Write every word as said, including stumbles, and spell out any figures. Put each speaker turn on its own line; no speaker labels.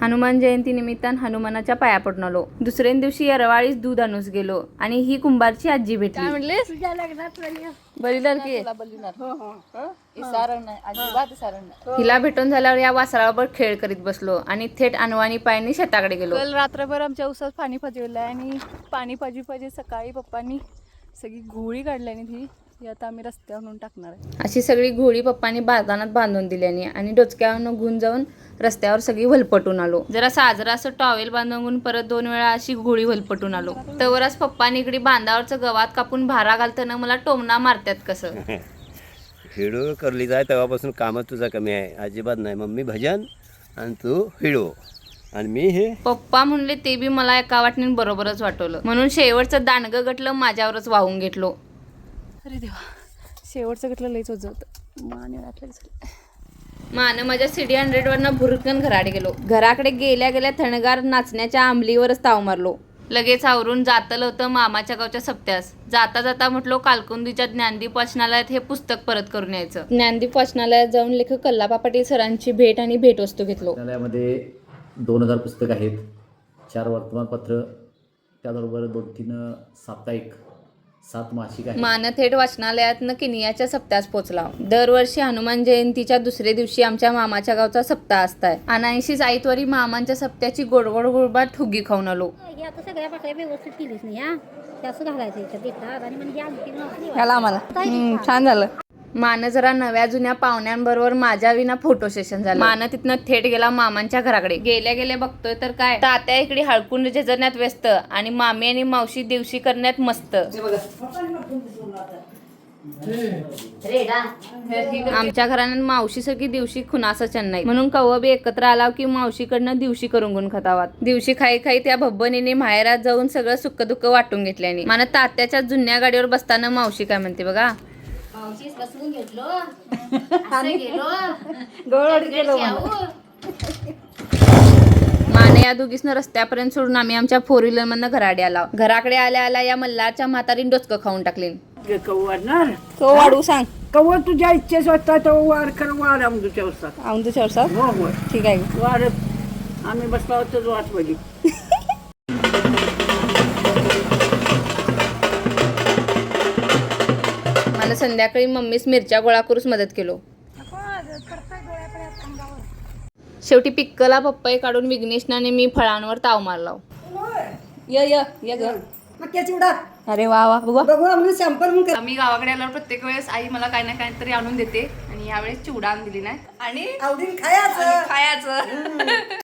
हनुमान जयंती निमित्तान हनुमानाच्या पाया पडून आलो. दुसऱ्या दिवशी येरवाळीच दूध आणूस गेलो आणि ही कुंभारची आजी भेटली.
काय म्हणलीस?
तुझ्या लग्नात
बलिदार की
हो हो इसारण नाही अजिबात इसारण नाही.
हिला भेटून झाल्यावर या वासरावर खेळ करीत बसलो आणि थेट अनवाणी पायाने शेताकडे गेलो.
काल रात्रभर आमच्या उसात पाणी पाजवलं आणि पाणी पाजी पाजी सकाळी पप्पांनी सगळी घोळी काढल्याने ती ती आता आम्ही रस्त्यावर नेऊन टाकणार आहे.
अशी सगळी घोडी पप्पांनी बागानात बांधून दिल्याने आणि डोचक्यावरनं घेऊन जाऊन रस्त्यावर सगळी वलपटून आलो. जरा साजरा असं टॉवेल बांधून परत दोन वेळा अशी घोडी वलपटून आलो. तवरच पप्पांनी इकडे बांधावरचं गवात कापून भारा घालताना मला टोमना मारतात कसं.
हिडो करली जाय तेव्हापासून कामच तुझा कमी आहे, अजिबात नाही. मम्मी भजन आणि तू हिडो आणि मी हे. पप्पा
म्हणले ते बी मला एका वाटणीने बरोबरच वाटवलं म्हणून शेवटचं दांडगं गटलं माझ्यावरच वाहून घेतलो.
अरे देवा, शेवटचं गटलं लईच होत होतं. मान वाटलं
मान माझ्या सिटी हंड्रेड वरनं भुरकन घराकडे गेलो. घराकडे गेल्या गेल्या थंडगार नाचण्याच्या आंबलीवरच ताव मारलो. लगेच आवरून जातलं होतं मामाच्या गावच्या सप्त्यास. जाता जाता म्हटलो कालकुंदीच्या ज्ञानदीप वाचनालयात हे पुस्तक परत करून यायचं. ज्ञानदीप वाचनालयात जाऊन लेखक कल्लापा पाटील सरांची भेट आणि भेटवस्तू घेतलो.
वाचनालयामध्ये दोन हजार पुस्तक आहेत, चार वर्तमानपत्र, त्याबरोबर दोन तीन साप्ताहिक, सात मासिक आहेत.
मान थेट वाचनालयातनं किनियाच्या सप्त्यास पोचला. दरवर्षी हनुमान जयंतीच्या दुसऱ्या दिवशी आमच्या मामाच्या गावचा सप्ताह असताय. अनाऐंशी आईतवारी मामांच्या सप्त्याची गोडगोड गोडबाट ठुगी खाऊन आलो.
हे आता सगळ्या पाकळ्या व्यवस्थित केलीच नाही हा. ते असं घालायचं याच्यात देतात आणि म्हणजे आणखी
ह्याला आम्हाला छान झालं. मान जरा नव्या जुन्या पाहुण्यांबरोबर माझ्या विना फोटो सेशन झालं. मान तिथनं थेट गेला मामांच्या घराकडे. गेल्या गेल्या बघतोय तर काय तात्या इकडे हळकुंड झेजण्यात व्यस्त आणि मामी आणि मावशी दिवशी करण्यात मस्त. आमच्या घरानं मावशी सगळी दिवशी खुनास चेन्नई म्हणून कव्वा बी एकत्र आला की मावशीकडनं दिवशी करून गुण खतावात. दिवशी खाई खाई त्या भब्बनीने माहेरात जाऊन सगळं सुख दुःख वाटून घेतल्याने. मला तात्याच्या जुन्या गाडीवर बसताना मावशी काय म्हणते बघा.
मावशीच बसवून घेतलो असं गेलो
गोड गेलो.
माने या दोघीसनं रस्त्यापर्यंत सोडून आम्ही आमच्या फोर व्हीलर मधनं घराडे आला. घराकडे आल्या आल्या या मल्हारच्या म्हातारीने डोचकं खाऊन टाकले.
वाढणार
तो वाढू सांग.
कवर तुझ्या इच्छेच वाटता तो वाढ खरं वाढ आमच्या वस्तात.
आमच्या चौसा
हो हो
ठीक आहे.
वाढत आम्ही बसला होतो वाट बघी.
मला संध्याकाळी मम्मीच मिरच्या गोळा करूच मदत केलो. शेवटी पिक्कला पप्पाई काढून विघ्नेशनाने मी फळांवर ताव मारला.
य य य ग.
मक्याची उडा
अरे वा वा बघा.
बघू आम्ही सॅम्पल.
आम्ही गावाकडे आल्यावर प्रत्येक वेळेस आई मला काही ना काहीतरी आणून देते आणि यावेळेस चिवडा आणून दिली नाही आणि
आवडीन खायचं
खायचं.